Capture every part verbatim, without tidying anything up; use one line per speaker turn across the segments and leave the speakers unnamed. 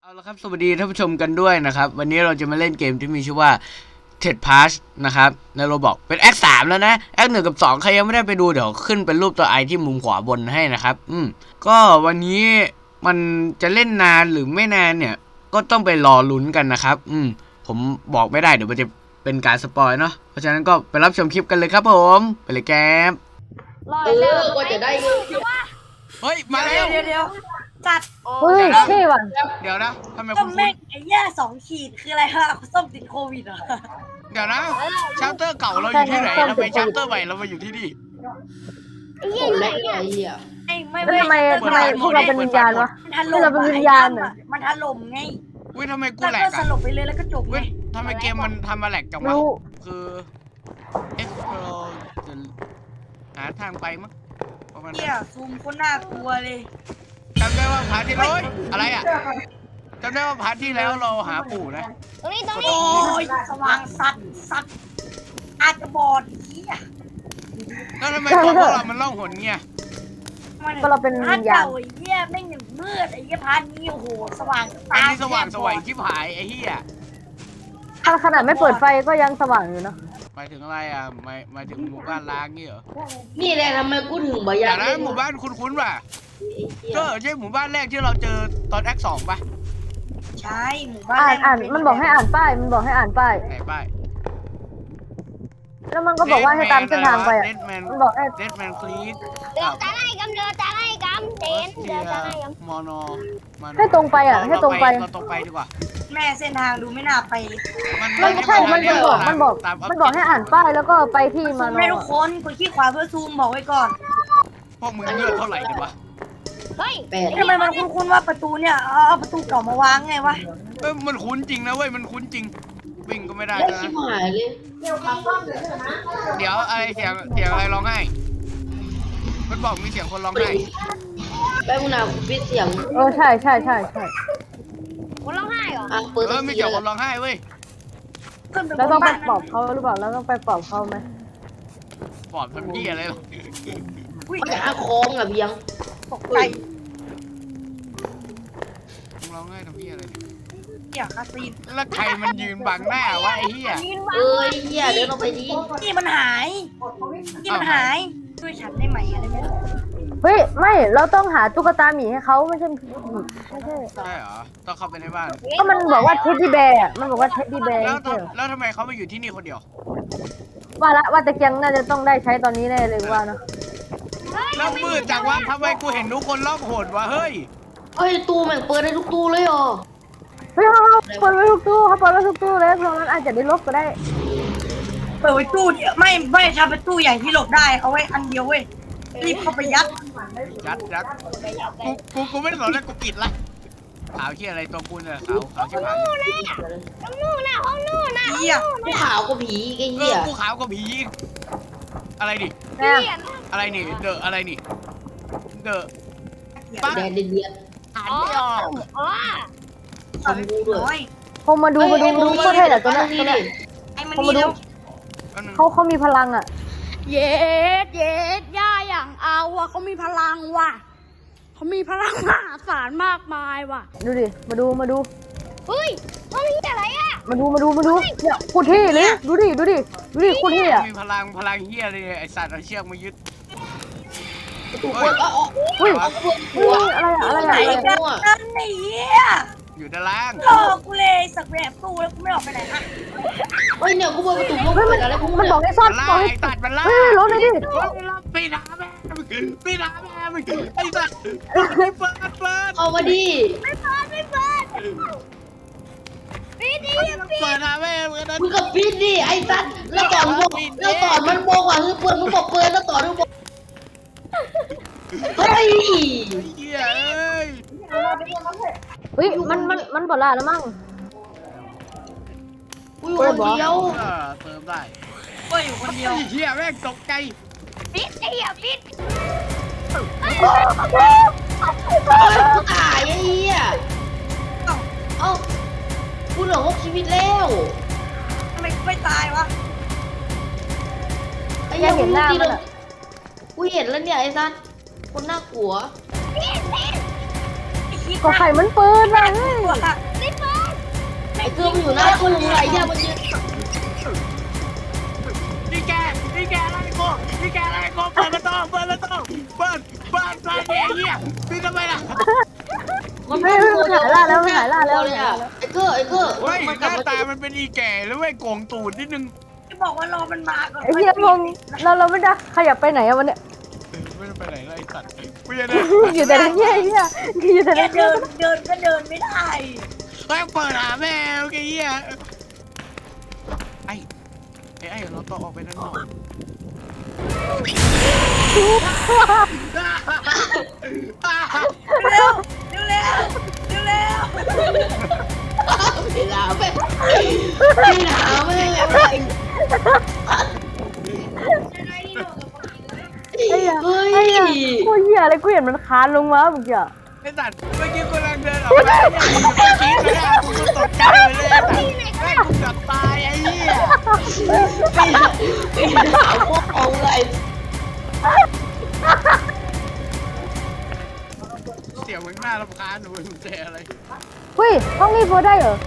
เอาละครับสวัสดีท่านผู้ชมกันด้วยนะครับวันนี้เราจะมาเล่นเกมที่มีชื่อว่า Ted Pass นะครับในโรบอกเป็น แอค สามแล้วนะ แอค หนึ่งกับสองใครยังไม่ได้ไปดูเดี๋ยวขึ้นเป็นรูปตัวไอที่มุมขวาบนให้นะครับอืมก็วันนี้มันจะเล่นนานหรือไม่นานเนี่ยก็ต้องไปรอลุ้นกันนะครับอืมผมบอกไม่ได้เดี๋ยวมันจะเป็นการสปอยเนาะเพราะฉะนั้นก็ไปรับชมคลิปกันเลยครับผมไปเลยแก๊ป
เออก็จะได้เงิน
เฮ้ยมาแล้ว
เดี๋ยวเดี๋ยวจัด
เฮ้ยเท่ว่ะ
เดี๋ยวนะทำไม
ต้
คุ
ม
ณ
แม่งไอ้แย่สองขีดคืออะไรฮะส้มติดโควิดเหรอ
เดี๋ยวนะชาร์เตอร์เก่าเราอยู่ที่ไหนทำไมชาร์เตอร์ใหม่เรามาอยู่ที่นี่
คนแรกไอ้เหี้ย
ไอ้ไม่
แล้วทำไมทำไมพวกเราเป็นวิญญาณวะ
มันถล่ม
เราเป็นวิญญาณเหรอ
มันถล่มไง
อุ้ยทำไมกู
แล้ว
แหล
ก็
ก
ส
อ่ะ
ลบไปเลยแล้วก็จบไง
เว้ยทำไมเกมมันทำมาแหลกจังวะ
รู้
คือ explore จะหาทางไปมั้งประมาณ
เหี้
นั้
ย
น
ซูมคนน่ากลัวเลย
จำได้ว่าพาร์ทที่แล้วเฮ้ยอะไรอ่ะจำได้ว่าพาร์ทที่แล้วเราหาปู่นะ
ตรงนี้ตรง
โอ้
นี้
ยสว่างสัตว์สัตว์อาจจะบอดเหี้ย
แล้วทำไมตัวพวกเรามันล่องหนเงี้ย
ก็เราเป็นวิญญาณ
พร์ทเก่ไอ้เหี้ยแม่งหนึ่งมืดไอ้เหี้ยพาร์ทนี้โอ้โหสว่าง
อันนี้สว่างสวยชิบหายไอ้เหี้ย
ขนาดไม่เปิดไฟก็ยังสว่างอยู่เนาะ
หมายถึงอะไรอ่ะหมายหมายถึงหมู่บ้านล้างงี้เหรอ
นี่แหละทำไมกูถึงบ่อยา
แต่
ก
นะหมู่บ้านคุ้นๆป่ะก็ใช่หมู่บ้านแรกที่เราเจอตอนแอคสองป่ะ
ใช่หมู่บ้าน
อ่าน
แร
อ่าน
เป็
มันบอกให้อ่านป้ายมันบอกให้อ่านป้าย
ไหนป้าย
แล้วมันก็บอกว่าให้ตามเส้นทางไปอ่ะ
เดดแมน
มันบอกให้
เดดแมนคลีส
เดินตาไล่กำเดินตาไล่กำเดินเดินตาไล่กำ
มอนอ
ให้ตรงไปอ่ะให้ตรงไป
เราตรงไปดีกว่า
แม่เส้นทางดูไม่น่าไป
มันไม่ใช่มันมันบอกมันบอกมันบอกให้อ่านป้ายแล้วก็ไปที่
ซู
มาม โน
ให้ทุกคนกดขี้ขวาเพื่อซูมบอกไว้ก่อน
พวกมึงเลือดเท่าไหร่กันวะ
เฮ้ย
แปด
ทำไมมันคุ้นๆว่าประตูเนี่ยเอาเอาประตูเก่ามาวางไงวะ
เอ้ยมันคุ้นจริงนะเว้ยมันคุ้นจริงวิ่งก็ไม่ได้
ได้
นะ
ชิบหายเลย
เดี๋ยวอะไรเสียงเสียงอะไรร้องไห้มันบอกมีเสียงคนร้องไห้
แป๊บนึงนะกูปิดเสียง
เออใช่ใช่ใช่ใช่
คนร้องไห้เหรอ
อ่ะเปิด
เอ
สั
อก มี
ที
เสียง
เล
คนร้องไห้เว้ย
ขึ้นไปบ
แล้ว
น
ต้องไป
บ้าน
ปลอบเขาหรือเปล่าแล้วต้องไปปลอบเขาไหม
ปอบทำยี่อะไรหรอ
อุ้ย
มันจะอาคองอ่ะเบียง
ตกใจ
มึงร้องไห้ทำยี่อะไรเนี่ย
เหี้ยคาซีน
แล้วใครมันยืนบังหน้าวะไอ้เหี้ย
ยืนวาง
เอ้ยเหี้ยเดินออกไปดิ
นี่มันหายนี่มันหายช่วยฉันได้ไหมอะไรไหม
เฮ้ยไม่เราต้องหาตุ๊กตาหมีให้เขาไม่ใช่ไม่ใช่
ใช่เหรอต้องเข้าไปในบ้าน
ก็มันบอกว่าเท็ดดี้แบร์มันบอกว่าเท็ดดี้แบร์
แล้ว
ใช่เหรอ
แล้วทำไมเขามาอยู่ที่นี่คนเดียว
ว่าละว่าตะเกียงน่าจะต้องได้ใช้ตอนนี้แน่เลยว่าเนาะ
แล้วมืดจังวะทำไมกูเห็นทุกคนล่องหนวะเฮ้ย
เอ้ยตู้แม่งเปิดได้ทุกตู้เลยเหรอ
เฮ้ยเขาเขาเปิดไว้ทุกตู้เขาเปิดไว้ทุกตู้เลยเพราะมันอาจจะได้ลบก็ได้
เปิดไว้ตู้เดียวไม่ไม่ทำเป็นตู้ใหญ่ที่หลบได้เอาไว้อันเดียวเว้ยรีบเข้าไปยัด
ยัดยัดกูกูกูไม่สนแล้วกูปิดละขาวที่อะไรตัวกูเนี่ยขาวขาวที่ผ่าน
ตรงนู้นน่ะห้องนู้นน่ะ
เหี้ย
กูขาวก็ผีไอ้
เอ
เหี้ย
อกูขาวกว่าผีอีกอะไรดิ
แน่
อะไรนี่เดอะอะไรนี่เดอะ
แดนเดียด
อ่าน
อ๋อ
ไม่ออก
อ๋อ
คอมบูด้วย
น้อย
คงมาดูมาดูมาดูโคตรเท่แหละตัวนั้นตัวนั้น
ไอ้มัน
เขา
นี่
มาดู
เร็ว
แป๊บนึง
เขาเขามีพลังอ่ะ
เย็ดเย็ดย่าอย่างเอาว่ะเขามีพลังว่ะเขามีพลังมหาศาลมากมายว่ะ
ดูดิมาดูมาดู
เฮ้ยห้องนี้อะไรอ่ะ
มาดูมาดูมาดูเนี่ยโคตรเท่เลยดูดิดูดิดูดิโคตรเท่อะ
มีพลังพลังเฮียเลยไอสัตว์เอาเชือกมายึด
ประตูเปิดเอ๋อ
อุ้ย
เอาเปิด
อุ้
หัวย
อะไรอะอะไร
ไหน
อะ
กันนั่นไอ้เหี้ย
อยู่ด้านล่าง
หลอกกูเลยสักแบบตู้แล้วกูไม่ออกไปไหนฮะ
เฮ้ยเนี่ยกูเปิดประตูกู
เฮ้ย
เปิ
มัน
ดอะไรพวก
มันบอกให้ซ่อน
มัน
บ
ล่า
อกให้
ไอสัตว์มันล่า
เฮ้ยรถเลยดิ
ปีนาแม่ปีนาแม่ไอสัตว์เปิดเปิดเปิด
เอามาดิ
ไม่เปิดไม่เปิดปิดดิปิด
เปิดนะแม่เปิดนะ
มึงก็ปิดดิไอ้สัตว์แล้วตอนบอกแล้วตอนมันบอกว่าคือเปิดมึงบอกเปิดแล้วตอนมึงบอกเฮ้ย
เฮียเอ้ย
เฮ้ยมันมันมันบอลล่าแล้วมั้ง
กูอยู่คนเดียว
เออเติมได้
เว้ยอยู่คนเดียว
เฮียแม่งตกใจ
ปิดไอ้เหี้ยปิด
เฮ้ยกูตายไอ้เหี้ยเอ้ากูเหลือหกชีวิตแล้ว
ทำไมกูไม่ตายวะ
ไอ้
แก
เหี้ย
เห็นหน้ามันอะ
กูเห็นแล้วเนี่ยไอ้สัตว์คนน่ากลัว
ปิดปิด
ไอ้คิด
ก็ไข่มันปืนนะเฮ้ย
ว่า
มัน
เฮ้ยมันหายล่าแล้วมันหายล่าแล้ว
เลยอ่ะไอ้เกอร์ไอ้เกอร์
เฮ้ย
มัน
ห
กลับ
น้า
มา
ตามันเป็นอีแก่แล้วเว้ยโกงตูดนิดนึง
ที่บอกว่ารอมันมาก่อน
ไอ้เหี้ยพงเราเราไม่ได้ขยับไปไหนอะวันเนี้ย
เออไม่ได้ไปไหนเลยไอ้สัตว์กูจะได้
อยู่แต่ในเหี้ยไอ้เหี้ยอยู่แต่ใน
แค่
เหี้ย
เดินเดินก็เดินไม่ได้
เฮ้ยเปิดหาแมวไอ้เหี้ยไอ้ไอ้ไอ้เราต้องออกไปด้านนอก
เร็วเร็วเร็วเร็วเร็ว
พี่ลาไปพี่ลาไม่ได้อะไร
ไอ้เหี้ย
เฮ้ย
ไอ้เหี้ยกูเหี้ยอะไรกูเห็นมันคานลงมาเมื่อกี้อะ
ไอ้สัตว์เมื่อกี้กูกำลังเดินออกมาเนี่ยอยู่ตรงกี้เลยอ่ะกูตกใจเลยไอ้สัตว์แม่งกูเกือบตายไอ้เหี้ย
พี่ลาพวกเอาเลย
เสียงมันน่ารำคาญหนูมึงเจออะไร
เฮ้ยห้องนี้โพสได้เหรอ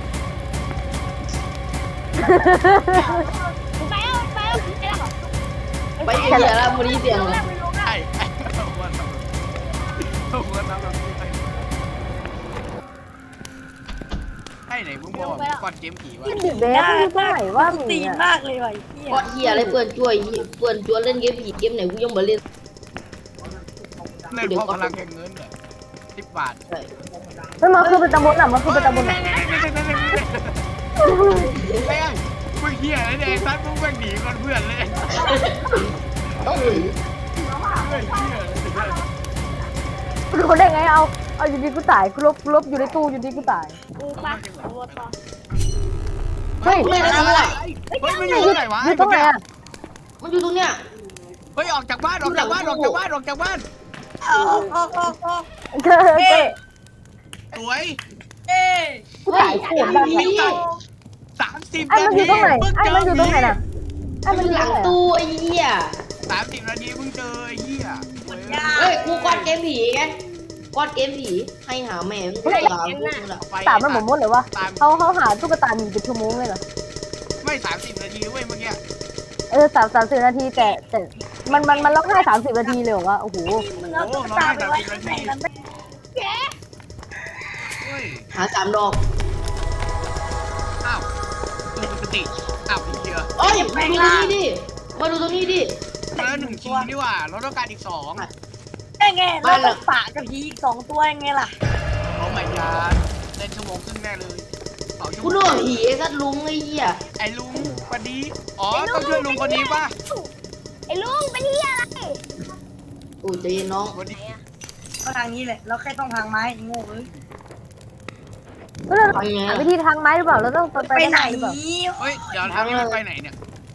ไปเอาไปเอาไปเอา
ไปเสียแล้วมันนี้เสียงเลย
ไอ้ไอ้เอาหัวทำเอาหัวทำแบบนี้ไปให้ไหนมึงบอกก่อนเกมผีวะ
ดิเบสมันอยู่ตรงไหนวะมึง
ตีน
เนี่ย
มากเลยว่ะไอ้เหี้ย
ก็เฮียอะไรเปื่อนช่วยเปื่อนชวนเล่นเกมผีเกมไหนกูยังมาเล่น
เล่นเพราะพลังแห่งเงินเหรอสิบบาท
ใช่
มันมาคือเป็นตำบลอ่ะมันคือเป็นตำบลอ่ะ
ไอ้ไอ้มึงเหี้ยอะไรเนี่ยไอ้ซัดมึงแม่งหนีก่อนเพื่อนเลย
ต้องหนี
เฮ้ยเหี้ยอะไรเนี่ย
กูรู้ได้ไงเอาเอาอยู่ดีกูตายกูลบกูลบอยู่ในตู้อยู่ดีกูตาย
กูปะตัวต่อ
เฮ้ย
ไม่ได้ทำอะไร
เฮ้ยมันอยู่ตรงไหนวะ
อยู่ตรงไหนอ่ะ
มันอยู่ตรงเนี้ย
เฮ้ยออกจากบ้านออกจากบ้านออกจากบ้านออกจากบ้าน
เอาออกออกออก
เฮ้ย
เอ๊ะ
สวย
เอ๊ะ
กูตายเสียงดัง
นี่
สามสิบ
ไอ้
นา
มันอ
ที
ยู่ตรงไหน
เพิ่ง
ไอ้
เจ
มัน
อ
อยู่ตรงไหนน่ะไอ้
มั
มัน
น
อ
อยู่ ยู่หลัง
ตรงไหน
ตู้ไอ้เหี้ย
สามสิบนาทีเพิ่งเจอไอ้เหี้ยเว้ย
เฮ้ยกูกอดเกมผีไงกอดเกมผีให้หาแม่งกูหาพวกมึงละ
ไป
ตามมันหมดหมดเลยวะเขาเขาหาตุ๊กตาหนีเป็นชั่วโมงเลยเหรอ
ไม่สามสิบนาทีเว้ยเมื่อกี้
เออสามสามสิบนาทีแต่แต่มันมันมันร้องไห้สามสิบนาทีเลยเหรอวะโอ้โห
มึงเอาตุ๊กตาไปไว้ข้างในนั้นได้
เฮ้ย
หาสามดอก
อ้าวตัวปกติอ้าวไอ้เหี้ย
เอ้ยมาดูตรงนี้ดิมาดูตรงนี้ดิ
มาแล้วหนึ่งทีนี่หว่าเราต้องการอีกสอง
ได้ไงแล้วต้องฝากกับผีอีกสองตัวยังไงล่ะ
โอ้ไม่ยาเล่นชั่วโมงครึ่งแน่เลยสองชั่ว
กู
โม
นึก
ง
ว่าผีไอ้สัตว์ลุงไอ้เหี้ย
ไอ้ลุงคนนี้อ๋อต้องช่วยลุงคนนี้ป่ะ
ไอ้ลุงเป็นเฮียอะไร
โอ้ยใจเย็นน้อง
คนนี้
ก็ทางนี้แหละเราแค่ต้องทางไม้โง่เลย
ก็เรา
ทำยังไง
หา
อะ
วิธีทางไม้หรือเปล่าเราต้องไป
ไปไหน
หรือเปล่า
เฮ้ยเดี๋ยวทางนี้มันไปไหนเนี่ย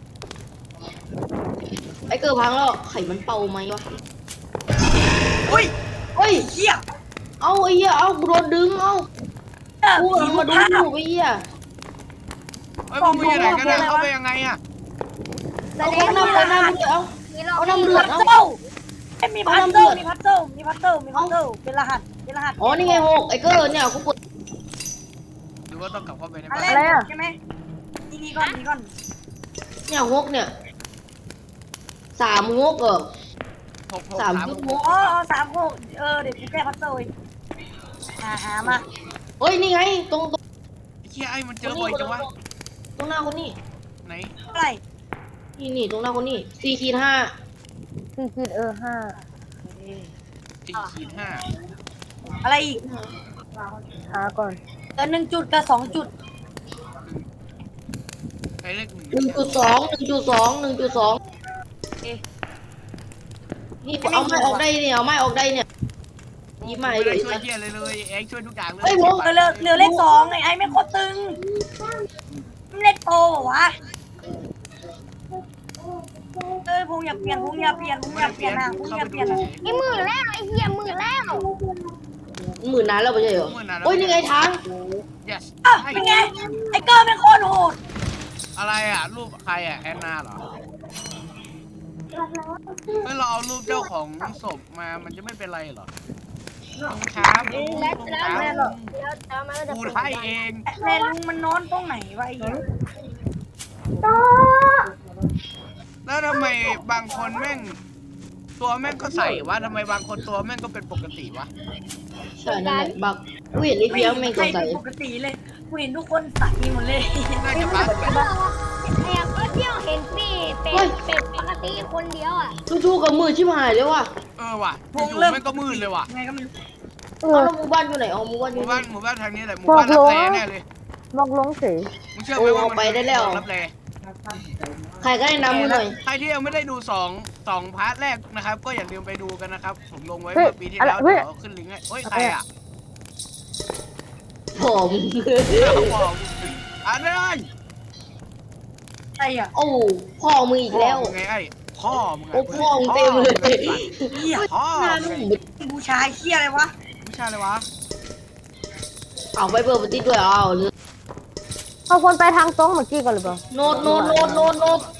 ไอ้เกิดพังแล้วไข่มันเป่าไหมวะ
อุ้ย
เฮ้ย
เหี้ย
เอาไอ้เหี้ยเอากูโดนดึงเอากู
ผี
เอา
ลู
มาก ดู
ภาพ
อยู่ไอ้เหี้ย
เฮ้ยมึงไปไหนกันนะเข้าไปยังไงอะ
เอาเอาน้ำเอาน้ำเดือดเอา
มีเรา
เอาน้ำเดือ
พั
ด
ซ
เอา
เซิลไอ้มีพัซเซิลมีพัซเซิลมีพัซเซิลมีพัซเซิลเป็นรหัสเป็นรหัส
อ๋อนี่ไงหกไอ้เกิดเนี่ยกูกด
หรือว่าต้องกลับเข้าไปใน
อะ
บ้าน
ไรใช่ไหมนี่นี่ก่อนนี่ก่อน
เนี่ยหกเนี่ยสามหกเหรอ
หกหก
สาม
สาม
จุด
ห
ห
ก
ก
อ๋อสามหกเออเดี๋ยวกูแก้พัซเซิลเองหาหามา
เฮ้ยนี่ไงตรงตรง
ไอ้เหี้ยไอ้มันเจอบ่อยจังวะ
ตรงหน้าคนนี้
ไหน
เท่าไหร่
นี่นี่ตรงหน้าคนนี้สี่ขีดห้า
สี่ขีดเออห้า
สี่ขีดห้า
อะไรอีก
หาก่อน
เออหนึ่งจุดกับสองจุด
ไอ้เลขหนึ่ง
หนึ่งจุดสองหนึ่งจุดสองหนึ่งจุดสองนี่เอาไม้ออกได้เนี่ยเอาไม้ออกได้เนี่ย ยิ้มมาเลย
ช่วยเหี้ยเลยเลยเอ็กช่วยทุกอย่างเลย
เฮ้ยผม
เออเหลือเหลือเลขสองไอ้ไอ้ไม่โคตรตึงเลขโตเหรอวะเอ้ยพงอย่าเปลี่ยนพงอย่าเปลี่ยนพงอย่าเปลี่ยนนะพงอย่าเปลี่ยนนะ
ไอ้หมื่นแล้วไอ้เฮียหมื่นแล้ว
หมื่นนานแล้วไม่ใช่เหรอโอ้ยนี่ไงทาง
yes
อ้าวเป็นไงไอ้เกอร์เป็นโคตรโหด
อะไรอ่ะรูปใครอ่ะแอนนาเหรอเมื่อเราเอารูปเจ้าของศพมามันจะไม่เป็นไรเหรอลุงครับลุง
แล้ว
ลุง
แล้ว
ครับ
แล้วแล้วมันก็จะ
กูให้เอง
แม่ลุงมันนอนตรงไหนวะไอ้เหี้ย
แล้วทำไมบางคนแม่ง ตัวแม่งก็ใส่วะทำไมบางคนตัวแม่งก็เป็นปกติวะ
ใช่นั่นแหละบักกูเห็นไอ้เพี้ยงแม่งส
ใครง
สัย
เป็นปกติเลยกูเห็นทุกคนใส่หมดเลย
น่าจะพักแบบ
อยากก็เที่ยวเห็นพี่เป็นเป็นปกติคนเดียวอ่ะ
จู่ๆกับมือชิบหายเลยว่ะ
เออว่ะอยู่ๆแม่งก็มืดเลยว่ะ
ไงก็ไม่รู้
เอ
เอา
อ
แล้วหมู่บ้านอยู่ไหนอ๋อหมู่บ้านอ
ห
ยู่
มู่
ไหน
บ้านหมู่บ้านทางนี้แหละหมู่บ้านรับแลแน่เลย
มอกลงเฉย
มึงเชื่อไหมว่ามันรับแล
ใครก็ได้นำมือหน่อย
ใครที่ยังไม่ได้ดูสองสองพาร์ทแรกนะครับ ก็อย่าลืมไปดูกันนะครับ ผมลงไว้เมื่อปีที่แล้วเดี๋ยวขึ้นลิงก์ให้เฮ้ยใครอ่ะ
ผม
บอกอ่านเลย
ใครอ่ะ
โอ้พ่อมืออีกแล้ว
พ่อมึงไงไอ้พ่อมึงไง
โอ้พ่อมึงเต็มเลย
เหี้ย
พ่อ
หน้า
มึง
ห
ไง
นุ่ม
บูชาเหี้ยอะไรวะ
ไม่ใช่เลยวะ
เอาไปเปิดปฏิด้วยเอาเลย
เอาคนไปทางตรงเมื่อกี้ก่อนหรือเปล่า
โน้ตโน้ตโน้ตโน้ตโน้ต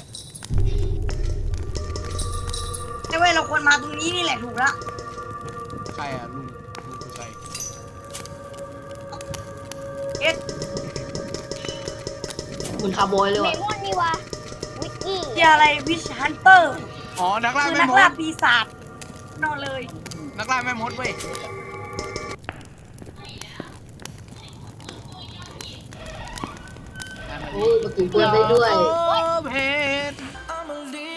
ไอ้เว้ยเราควรมาตรงนี้นี่แหละถูกละ
ใครอ่ะลุงลุงคือใคร
เอ็ด
เหมือนคาร์บอยเลย
เม
ว่ะ
มอนนี่วะวิกกี้
เหี้ยอะไรวิชฮันเตอร์
อ๋อนักล่า
คือ
แม่
นัก
ม
ล่า
ด
ปีศาจนอนเลย
นักล่าแม่มดเว้ย
โอ้ประตูเปิดได้ด้วย
เพชร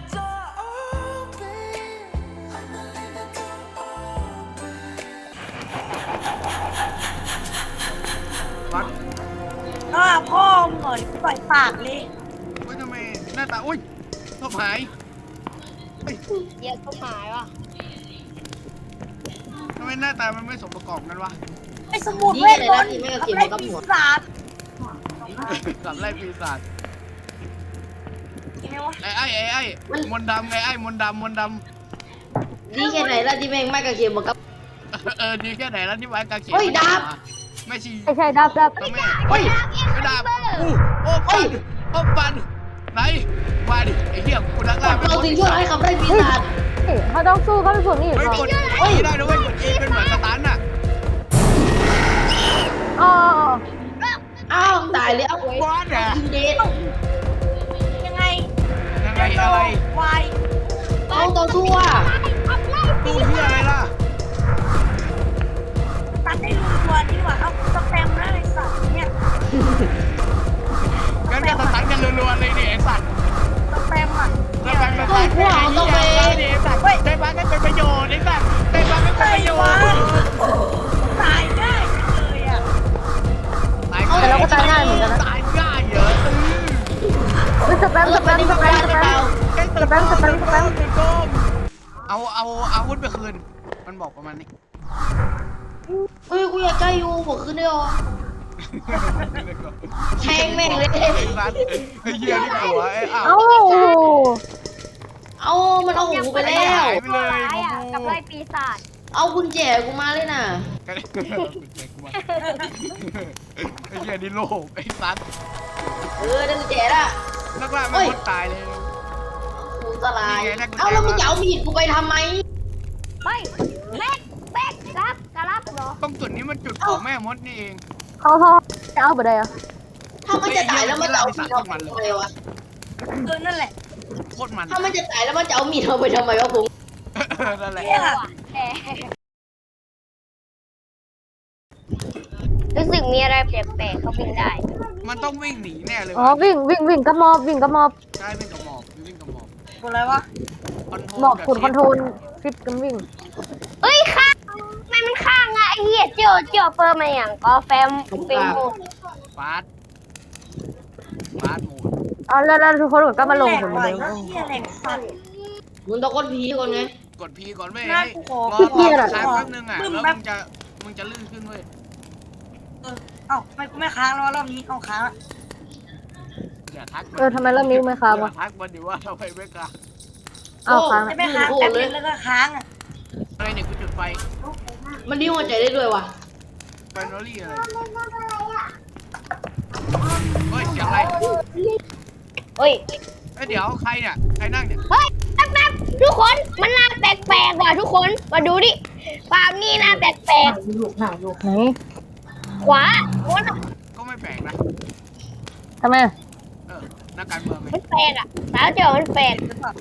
วัด
อ้าพ่อมึงเหรอปล่อยปากเลย
เฮ้ยทำไมหน้าตาอุ้ยชอบหายเฮ้ย
เดี๋ยวก็หายว่ะ
ทำไมหน้าตามันไม่สมประกอบกันวะ
ไอ้สมุดเวทมนต์ทำไรปีศาจ
สับไล่ปีศาจ
ยังไงวะ
ไอ้ไอ้ไอ้ไอ้มนต์ดำไงไอ้มนต์ดำมนต์ด
ดีแค่ไหนล่ะที่แม่งไม่กระเทียมมากับ
ำเออดีแค่ไหนแล้วที่ไว้กางเขน
เฮ้ยดาบ
ไม่ชี
ใช่ใช่ดับดับ
แม่เฮ้ยไม่ดาบอู้โอ้ปันโอ้ปันไหนมาดิไอ้เหี้ยกูนักล่าไม่
เรา
มด
ถึงช่วยให้ขับได้ปีศาจ
เฮ้ยเขาต้องสู้เขาเป็นพวกนี้
เฮ้ย
ก่อก น
ดเฮ้ยได้ด้วยกด E เป็นเหมือนสตันน่ะ
อ๋อ
อ้าวตายแล้ว
บอสอ่ะ
ยิงเดท
ยังไง
ยังไงอะไร
วาย
เอาต่อสู้อ่ะ
ตู้เหี้ยอะไรล่ะ
ตัดได้รูตัวนี่หว่าเอาสแปมนะไอ้สัตว์เนี่ย
งั้นก็สตันกันรัวๆเลยดิไอ้สัตว์
สแปมอ่ะ
แล้วแบงค์สตันไอ้เหี้ยดิไอ้สัตว์ได้บ้างก็เป็นประโยชน์ไอ้สัตว์ได้บ้างก็เป็นประโยชน์
ตายง่ายเลยอ่ะ
ตายง่ายเหรอ
เฮ้ยสแปมสแปมสแปมสแปม สแปมสแปมสแปม
เอาเอาอาวุธไปคืน มันบอกประมาณนี้
เฮ้ยกูอยากใกล้อยู่บอกขึ้นได้หรอแทงแม่งเลย
ไอ้สัตว์ไอ้เหี้ยนี่หัวไอ้อ้าว
เอ้า
เอามันเอาของกูไปแล้ว
หายไปเลย
ร้ายอ่ะ
กู
กับไล่ปีศาจ
เอากุญแจกูมาเลยน่ะ
ไอ้เหี้ยนี่โลกไอ้สัตว์
เออได้กุญแจละ
นักล่าไม่คนตายเลย
กูสลาย เอาแล้วมึงจะเอามีดกูไปทำไม
ไม่แม็กแม็กครับกระลับเหรอ
ตรงจุดนี้มันจุดของแม่มดนี่เอง
เขาเขาจะเอาไปได้อะ
ถ้ามันจะตายแล้วมันจะเอามีดเอาไปทำไมวะ
เออนั่นแหละ
โคตรมัน
ถ้ามันจะตายแล้วมันจะเอามีดเอาไปทำไมวะผม
นั่นแหละ
เนี่ย
แหมรู้สึกมีอะไรแปลกๆเขาวิ่งได้
มันต้องวิ่งหนีแน่เลย
อ๋อวิ่งวิ่งวิ่งกระมอบวิ่งกระมอบ
ใช่วิ่งกับหมอบวิ่งกับหมอบ
กดอะไรวะ
หมอบกดคอนโทรลฟิตกันวิ่ง
เอ้ยข้างทำไมมันข้างอะไอ้เหี้ยเจียวเจียวเปิดมาอย่างก็แฟมเป็นหมด
ฟาสฟาสโหมด
อ๋อแล้วแล้วทุกคนก็มาลง
แหล
ผ
ก
ม
ว่ะ
เลย
ไอ้เหี้ยแหลกสัตว์
มึงต้องกดผีก่อนไง
กดพีก่อนเว้ย
น่า
ให้
กูขอ
รอ
กูขอ
ค้าง
ขอ
แป๊บนึงอ่ะ
ปึ้ม
แล้ว
แป๊บ
มึงจะมึงจะลื่นขึ้นเว้ย
เออเอ้าไม่กูไม่ค้างแล้ววะรอบนี้เอาค้างละ
อย่าทัก
เออทำไมเริ่มนิ้วไม่ค้าง
อย่าว
ะ
ทักมันดิว่าทำไมไม่ค้าง
เอาค้าง
จะ
อะ
ไม่ค้างแป๊บเดียวแล้วก็ค้างอ่ะ
อะไรเนี่ยกูจุดไฟ
มันดิ้วหัวใจได้ด้วยว่ะ
ไฟนอรี่อะไรเฮ้ยเสียงอะไร
เฮ้ย
เอ้ยเดี๋ยวใครเนี่ยใครนั่งเนี่ย
เฮ้ยแป๊บแป๊บทุกคนมันน่าแปลกๆว่ะทุกคนมาดูดิฟาร์มนี่น่าแปลก
ไหน
ๆขวาโน้นอะ
ก็ไม่แปลกนะ
ทำไม
เออนักการเมืองไง
มันแปลกอะสาวเจียวมันแปลก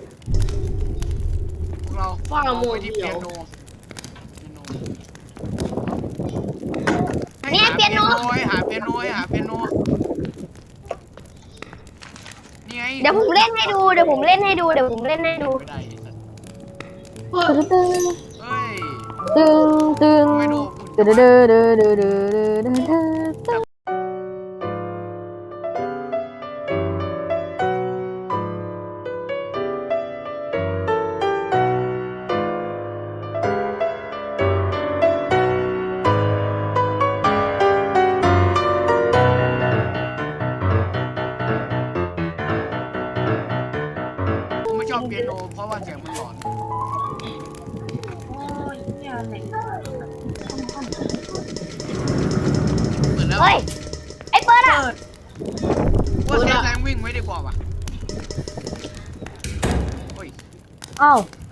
พวกเรา
ฟ้าโม
ไป
เดี
ที่
ยว
เปียโนเปียโน
เนี่ยเปียโน
หาเปียโนหาเปียโนนี่ไง
เดี๋ยวผมเล่นให้ดูเดี๋ยวผมเล่นให้ดูเดี๋ยวผมเล่นให้ดู
ไม่ได้
ตึ้ง
เฮ้ย
ตึ้งตึ้ง
ไม่ดู
เดือดเดือดเดือดเดือดเดือดเดือด
ผมไม่ชอบเปียโนเพราะว่าเสียงมันหลอน
โอ้ยเนี่ยแหละ
เปิดแล้ว
เฮ้ยไอ้เปิดอ่ะ
เปิด
ว่าเซฟแรงวิ่งไว้ดีกว่าว่ะโอ้ย
อ้าว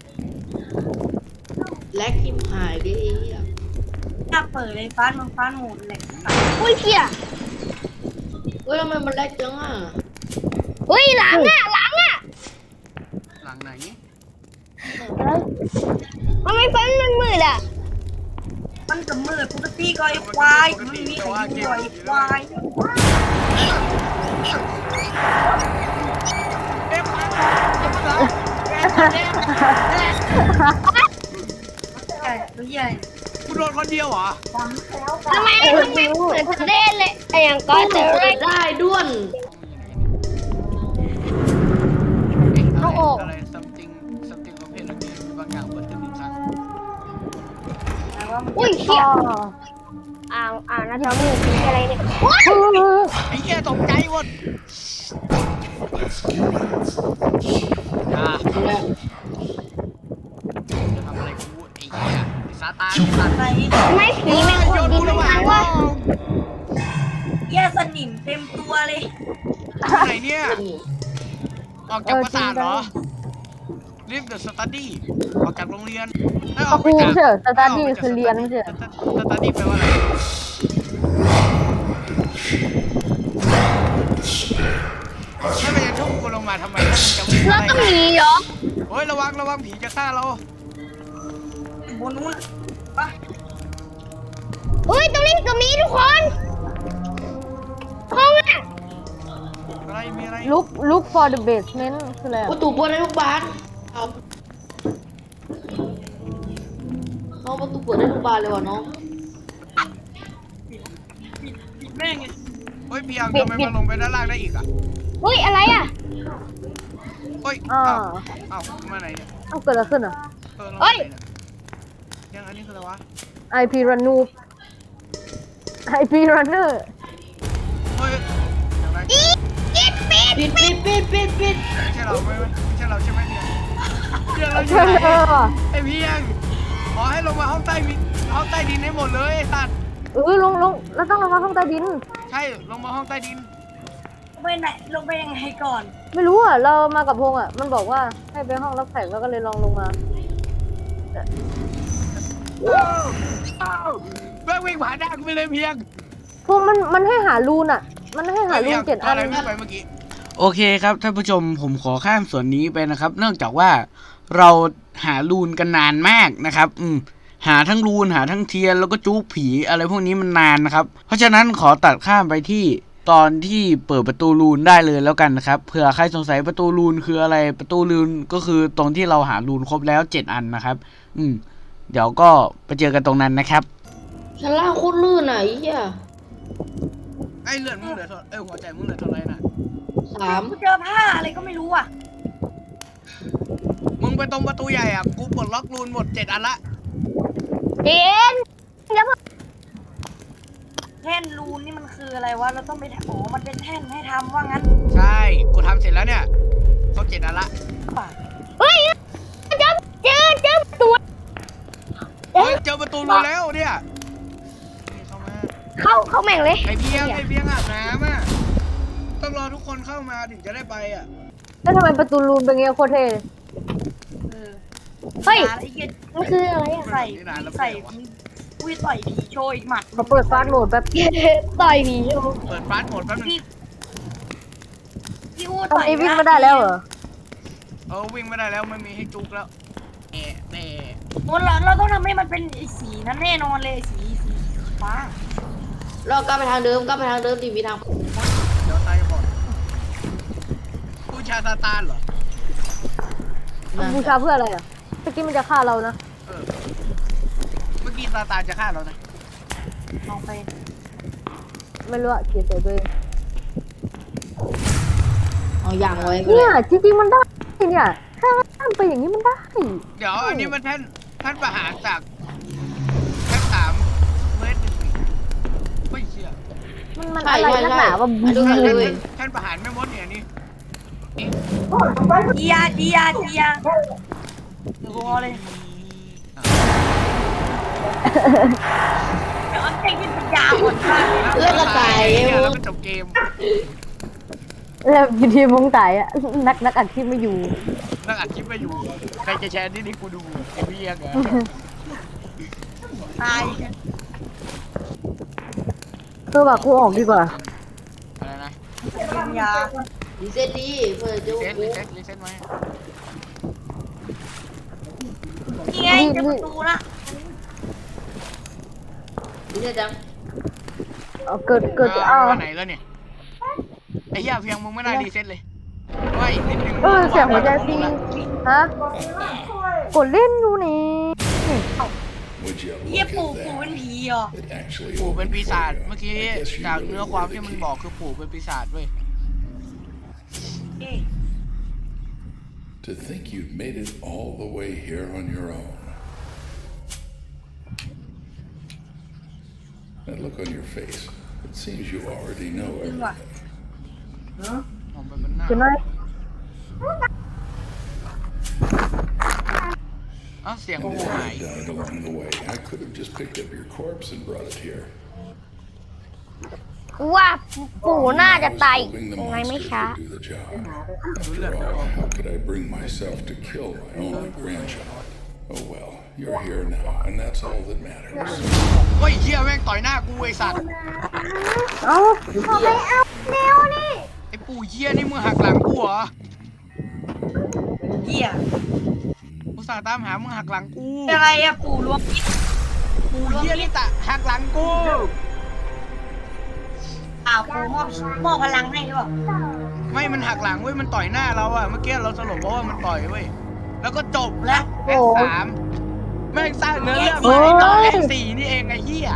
แลกทิมหายดิไอ้เหี้ย
ถ้าเปิดเลยฟ้ามันฟ้าหมุนเลย
อุ้ยเชี่ย
เฮ้ยทำไมมันแลกจังอ่ะ
เฮ้ยหลังอ่ะหลังอ่ะ
หลังไหน
ทำไมไฟมันมืดอ่ะ
มันกับมือปกติก็ไอ้ควายมันมีใครอยู่ไอ้ควาย
เอ๊ะมาเอ๊ะเอ๊ะ
ใหญ่ตัวใหญ่
กูโดนคนเดียวเหรอ
ทำไมมันไม่เหมือนเล่นเลยไอ้อย่างก็จะเล่น
ได้ด้วน
เอาออก
อะไร something something open again บางอย่างเปิดขึ้นอีกครั้ง
แต่ว่ามัน
อุ้ยเชี่ย
อ๋อ
อ่าวอ่าวนะจอมีผีอะไรเนี่ย
ไอ้เหี้ยตกใจหมดอ่าจะทำอะไรกูไอ้เหี้ยไอ้ซาตานไอ้สัตว์
ไหน
ทำไมผีมัน
โย
ขุด
น
ดิ
กู
น
ระหว่าง
ทาง
ห้อ
วะ
ง
เหี้ยสนิมเต็มตัวเลย
อยู่ไหนเนี่ย ออกจากประสาทเหรอ Leave the study ออกจากโรงเรียนให้ออกไป
ครู
จาก
เฉยสตาร์ดี้คือเรียนไม่ใช่
สตาร์ดี้แปลว่าอะไรถ้ามันจะทุ่มกูลงมาทำไมถ้ามันจะวิ่ง
แล้ว
ไล่
ก็มีเหรอ
โอ้ยระวังระวังผีจะฆ่าเรา
บนนู้นปะ
เฮ้ยตรงนี้ก็มีทุกคนห้องอ่ะ
อะไรมีอะไร
ลุกลุก for the basement คืออะไร
ประตูเปิดได้ทุกบานเอาเอาประตูเปิดได้ทุกบานเลยว่ะน้อง
ปิดแม่งเลย
เฮ้ยเพียงทำไมมันลงไปด้านล่างได้อีกอ่ะ
เฮ้ยอะไรอ่ะ
เฮ้ย
อ่า
เอ้าเอ้ามาไหนเนี่ย
เอาเกิดอะไรขึ้นอ่ะ
เออเรามาไหนเนี่ยยังอันนี้คืออะไรวะ
ไอพีรันนูไอพีรันเนอร์
เฮ้ยอย่างไร
อีกิดปิด
ปิดปิดปิดปิดปิด
ไม่ใช่เราไม่ไม่ใช่เราใช่ไหมเนี่ยเพียงเราอยู่
ใช่
ไหน
เลยว่ะ
ไอ้เพียงขอให้ลงมาห้องใต้ดินห้องใต้ดินให้หมดเลยไอ้สัตว์
เออลงลงแล้วต้องลงมาห้องใต้ดิน
ใช่ลงมาห้องใต้ดิน
ลงไปไหนลงไปยังไงก่อน
ไม่รู้อ่ะ เรามากับพงษ์อ่ะ มันบอกว่าให้ไปห้องรับแขกแล้วก็เลยลองลงมา
แม่งวิ่งผ่านหน้ากูไปเลยเพียง
พงษ์มันมันให้หารูนอ่ะ มันให้หารูนเจ็ดอัน
อะไรวิ่งไปเมื่อกี้โอเคครับท่านผู้ชมผมขอข้ามส่วนนี้ไปนะครับ เนื่องจากว่าเราหารูนกันนานมากนะครับอืมหาทั้งรูนหาทั้งเทียนแล้วก็จุกผีอะไรพวกนี้มันนานนะครับ เพราะฉะนั้นขอตัดข้ามไปที่ตอนที่เปิดประตูรูนได้เลยแล้วกันนะครับเผื่อใครสงสัยประตูรูนคืออะไรประตูรูนก็คือตรงที่เราหารูนครบแล้วเจ็ดอันนะครับ อืมเดี๋ยวก็ไปเจอกันตรงนั้นนะครับ
ชั้นล่างโคตรลื่นอ่ะไอ้เหี้ย
ไอ้เลือดมึงเหลือเท่าเอ้ยหัวใจมึงเหลือเท่าไรน่ะ
สาม
กูเจอผ้าอะไรก็ไม่รู้อ่ะ
มึงไปตรงประตูใหญ่อ่ะกูปลดล็อกรูนหมดเจ็ดอันละ
เจนอย่าเพิ่ง
แท่นรูนนี่มันคืออะไรวะเราต้องไปอ๋อมันเป็นแท่นให้ทำว่างั้น
ใช่กูทำเสร็จแล้วเนี่ยครบเจ็ดอันละ
เฮ้ยเจอเจอเจอตัว
เฮ้ยเจอประตูรูนแล้วเนี่ยนี่เข้ามา
เข้าเข้าแม่งเลย
ไอเพียงไอเพียงอาบน้ำอ่ะต้องรอทุกคนเข้ามาถึงจะได้ไปอ่ะ
แล้วทำไมประตูรูนเป็นเงี้ยโคตรเท่เลย
เออ
เฮ้ย
ไอ้เหี้ย
มันคืออะไรอ่ะ
ใส่ใส่อุ้ยต่อยผีโชว์อีกหมัด
เขาเปิดฟาสต์โหมดแป๊บ
ต่อยผีอยู่
เปิดฟาสต์โหมดแป๊บนึง
พี่พี่อู้
ตอน
ต่อย
นี้วิ่งไม่ได้แล้วเหรอ
เออวิ่งไม่ได้แล้วไม่มีให้จุกแล้วแอะแอะ
เราเราต้องทำให้มันเป็นไอ้สีนั้นแน่นอนเลยสีสีฟ้า
ส
เรากลับไปทางเดิมกลับไปทางเดิมดีมีทาง
เดี๋ยวตายก่อนผู้ชาซาตานเหรอ
บูชาเพื่ออะไรอ่ะเมื่อกี้มันจะฆ่าเรานะ
เออเมื่อกี้ซาตานจะฆ่าเรานะ
ลองไป
ไม่รู้อะเกลียดใจตัวเอง
เอาอย่างไว้ก็
เนี่
เลย
ยจริงๆมันได้เนี่ยถ้ามันไปอย่างนี้มันได้
เดี๋ยวอันนี้มันท่านท่านประหารจากแค่สามเมตรหนึ่งไม่เชื่อ
มันมันอะไรนักหนาว่าบู
ดูหน่อยเลย
ท่านประหารไม่มดเนี่ยนี่
เดียเดียเดียเดี๋ยวพอเลยเดี๋ยวเอาเต็งที่ปัญญาหมดมากเลยนะ
เลือดละตาย
เนี่ยแล้วก็จบเกม
แล้วอยู่ที่มงตายอ่ะนักนักอัดที่ไม่อยู่
นั่งอัดคลิปไม่อยู่ ใครจะแชร์ที่นี่กูดูไอ้พี่ยังไง
ตาย
คือแบบกูออกดีกว่า
อะไรนะ
ปัญญา
ดีเซ็ตดีเพื่อจะ
รีเซ็ตรีเซ็ตรีเซ็ตไหม
นี่ไงเจะประตูละ
ดีเซ็ตจัง
เอาเกิดเกิด
อ่า
เอา
วันไหนแล้วเนี่ยไอ้เหี้ยเพียงมึงไม่น่ารีเซ็ตเลยว่าอีกนิดนึง
เออเสียงหัวใจซีฮะกดเล่นอยู่นี่
Would you
เฮีย
look
ปู่
at
ปู่เป็น
that?
ผีเหรอ
It actually
ปู่เป็น
opened
ปี
me
ศาจ
up.
เมื่อกี้
I guess you
จาก
really
เนื้อความ
were
ที่
the
มัน
key.
บอกคือปู่เป็นปีศาจเว้ย
เอ๊ะ
To think you'd made it all the way here on your own. That look on your face. It seems you already know everything.
มองไปบนหน้า
ใช่ไหม
อ้าวเสียง
And
ปู่
if
หาย
I'd done it along the way, I could have just picked up your corpse and brought it here.
ว่าปู่น่าจะตาย
Hoping the
ยังไงไม่
monster
ช้า
could do the job. After all, how could I bring myself to kill my only grandchild? Oh well, you're here now, and that's all that matters.
เฮ้ยเหี้ยแม่งต่อยหน้ากูไอ้สัตว์
เอา
เอาไปเอาเร็วนี่
ไอ้ปู่เหี้ยนี่มึงหักหลังกูเหรอ
เฮีย
อุตส่าห์ตามหามึงหักหลังกู
อะไรอะปู่รวมมิตร
ปู่เหี้ยนี่ตะหักหลังกู
อ่าวปู่มอบมอบพลังให้หรือเปล่า
ไม่มันหักหลังเว้ยมันต่อยหน้าเราอะเมื่อกี้เราสลบเพราะว่ามันต่อยเว้ยแล้วก็จบแล้วแอคสามแม่งสร้างเนื้อเรื่องมาให้ต่อแอคสี่นี่เองไอ้เหี้ย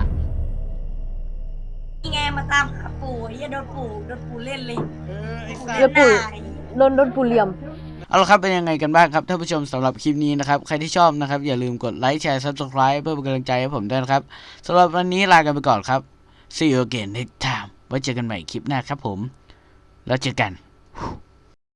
นี่ไงมาตามหาปู่เฮียโดนปู่โดนปู่เล่นเลย
เออไอ้สั
เล่
ต
น
ว์
หน้า
โดนโดนปูเหลี่ยม
เอาละครับเป็นยังไงกันบ้างครับท่านผู้ชมสำหรับคลิปนี้นะครับใครที่ชอบนะครับอย่าลืมกดไลค์แชร์ ซับสไครบ์ เพื่อเป็นกำลังใจให้ผมด้วยนะครับสำหรับวันนี้ลากันไปก่อนครับ See you again next time ไว้เจอกันใหม่คลิปหน้าครับผมแล้วเจอกัน